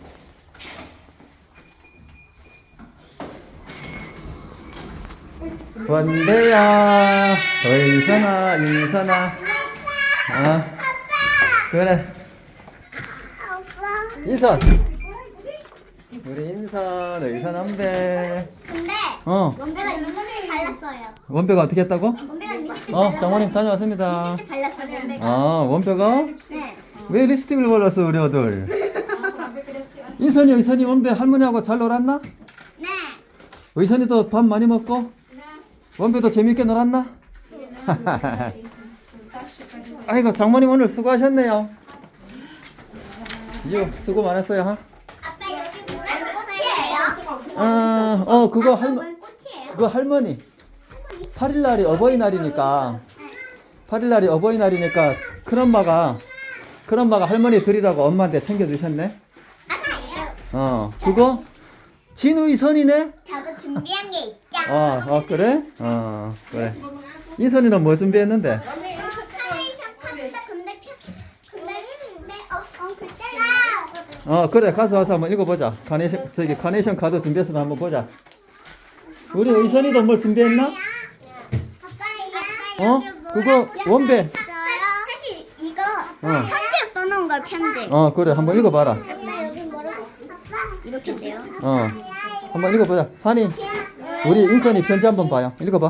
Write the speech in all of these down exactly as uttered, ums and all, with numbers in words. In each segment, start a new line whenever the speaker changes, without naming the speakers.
원배야, 의선아, 인선아. 아, 그래. 인선. 우리 인선, 의선, 원배.
근데
어,
원배가 립스틱 발랐어요.
원배가 어떻게 했다고?
원배가 립스틱
어,
발랐어요.
장모님 다녀왔습니다.
립스틱 발랐어요, 원배가.
아, 원배가?
네.
왜 립스틱을 발랐어, 우리 아들? 인선이, 의선이, 원배 할머니하고 잘 놀았나?
네.
의선이도 밥 많이 먹고? 원배도 재밌게 놀았나? 아이고, 장모님 오늘 수고하셨네요. 이거 수고 많았어요, 하?
아빠 여기 뭐라 꽃이에요?
어, 어, 그거
아빠
할,
뭔 꽃이에요?
그거 할머니. 팔 일 날이 어버이날이니까, 팔 일 날이 어버이날이니까, 큰엄마가, 큰엄마가 할머니 드리라고 엄마한테 챙겨주셨네?
아빠예요.
어, 그거, 진의선이네?
저도 준비한 게 있죠.
어, 어, 그래? 어, 그래. 인선이는 뭐 준비했는데?
어, 카네이션 카드 근데 표 근데 근데 어, 어 글자가
어, 그래. 가서 와서 한번 읽어보자. 카네이션, 저기, 카네이션 카드 준비했으면 한번 보자. 우리 의선이도 뭘 준비했나?
아빠
어? 그거 원배.
사실 이거
어.
편지에 써놓은 걸 편지.
어, 그래. 한번 읽어봐라.
아빠 여기 뭐라고? 이렇게인데요.
어. 한번 읽어보자. 하니, 우리 인선이 편지 한번 봐요. 읽어봐.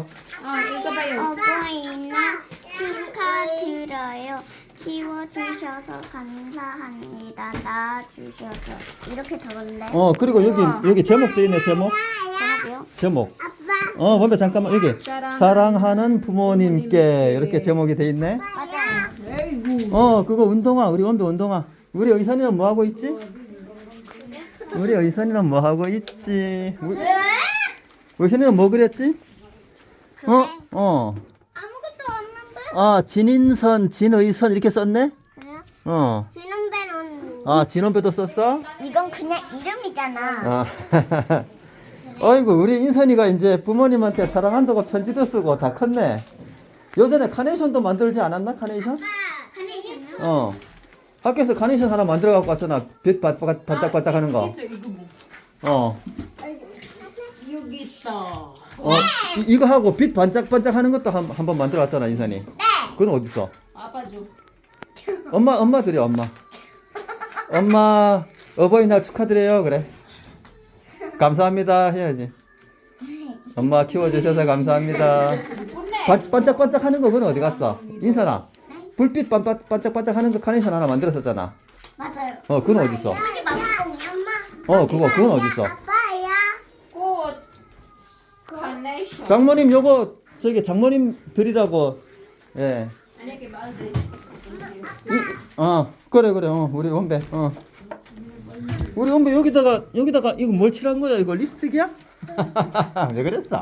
어버이날 축하드려요. 키워주셔서 감사합니다. 낳아주셔서 이렇게 적었는데.
어, 그리고 여기, 여기 제목도 있네, 제목.
제목이요?
제목.
아빠.
어, 원배 잠깐만. 여기. 사랑하는 부모님께. 이렇게 제목이 돼 있네.
맞아요.
어, 그거 운동화. 우리 원배 운동화. 우리 의선이는 뭐 하고 있지? 우리 의선이는 뭐 하고 있지? 우리, 의선이는 뭐 그랬지? 어? 어.
아무것도 없는데?
아, 진인선, 진의선 이렇게 썼네?
그래요?
어.
지능배는
아, 진원배도 썼어?
이건 그냥 이름이잖아.
아. 어이구, 우리 인선이가 이제 부모님한테 사랑한다고 편지도 쓰고 다 컸네. 예전에 카네이션도 만들지 않았나? 카네이션?
카네이션이요?
어. 학교에서 카네이션 하나 만들어 갖고 왔잖아. 빛 바- 바- 반짝반짝 하는 거.
이거 뭐?
어.
여기 있다.
어. 이, 이거 하고 빛 반짝반짝 하는 것도 한, 한번 만들어 왔잖아, 인선이.
네.
그건 어디 있어?
아빠 줘.
엄마, 엄마 드려, 엄마. 엄마, 어버이날 축하드려요. 그래. 감사합니다. 해야지. 엄마 키워주셔서 감사합니다. 반, 반짝반짝 하는 거, 그건 어디 갔어? 인선아. 불빛 반, 반, 반짝반짝 하는 거 카네이션 하나 만들었었잖아.
맞아요.
어, 그건 어디 있어?
여기 마법봉이야, 엄마.
어, 그거, 그건 어디 있어?
아빠야.
꽃. 카네이션.
장모님, 요거, 저기, 장모님 드리라고, 예.
만약에 말들.
이, 어, 그래, 그래, 어, 우리 원배, 어. 우리 원배 여기다가, 여기다가, 이거 뭘 칠한 거야? 이거 립스틱이야? 왜 그랬어?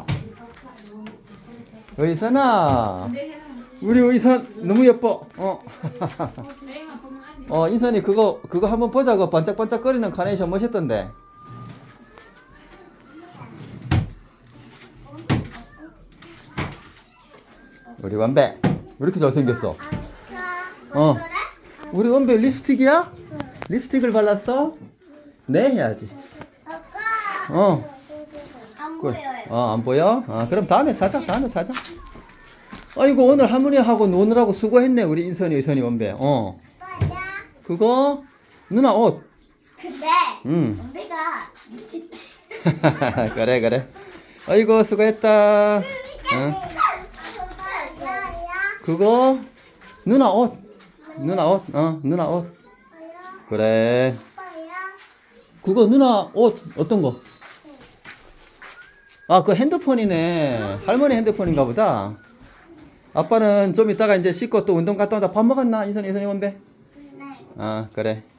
의선아. 우리 의선 너무 예뻐. 어. 어, 인선이 그거, 그거 한번 보자. 그 반짝반짝거리는 카네이션 멋있던데. 우리 원배. 왜 이렇게 잘생겼어? 어. 우리 원배 립스틱이야? 립스틱을 발랐어? 네, 해야지. 어.
안
꿀.
보여요.
어, 안 보여? 아, 그럼 다음에 사자. 다음에 사자. 아이고, 오늘 할머니하고 노느라고 수고했네. 우리 인선이, 의선이, 원배. 어.
아빠야.
그거, 누나 옷.
근데
응.
엄배가
그래, 그래. 아이고, 수고했다. 응. 그거, 누나 옷. 누나 옷. 어, 누나 옷. 그래. 그거 누나 옷 어떤 거? 아, 그 핸드폰이네. 할머니 핸드폰인가 보다. 아빠는 좀 이따가 이제 씻고 또 운동 갔다 온다. 밥 먹었나? 인선이, 인선이 원배?
네.
아, 그래.